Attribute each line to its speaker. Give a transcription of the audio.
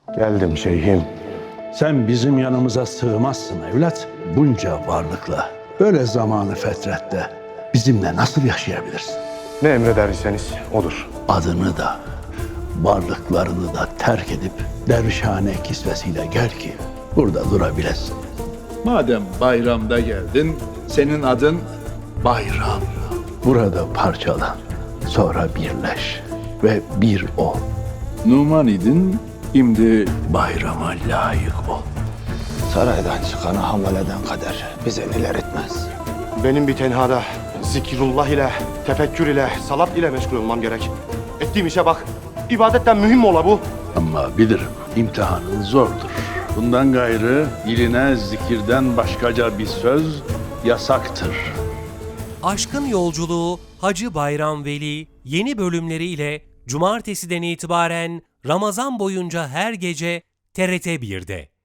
Speaker 1: Geldim şeyhim.
Speaker 2: Sen bizim yanımıza sığmazsın evlat. Bunca varlıkla, böyle zamanı fetrette bizimle nasıl yaşayabilirsin?
Speaker 1: Ne emrederseniz odur.
Speaker 2: Adını da, varlıklarını da terk edip dervişhane kisvesiyle gel ki burada durabilesin.
Speaker 3: Madem bayramda geldin, senin adın Bayram.
Speaker 2: Burada parçalan, sonra birleş ve bir ol.
Speaker 3: Numan idin, şimdi
Speaker 2: Bayrama layık ol.
Speaker 4: Saraydan çıkanı hamaleden kader bize neler etmez.
Speaker 1: Benim bir tenhada zikrullah ile, tefekkür ile, salat ile meşgul olmam gerek. Ettiğim işe bak. İbadetten mühim ola bu.
Speaker 2: Ama bilirim imtihanın zordur. Bundan gayrı diline zikirden başkaca bir söz yasaktır.
Speaker 5: Aşkın Yolculuğu Hacı Bayram Veli yeni bölümleriyle Cumartesiden itibaren Ramazan boyunca her gece TRT 1'de.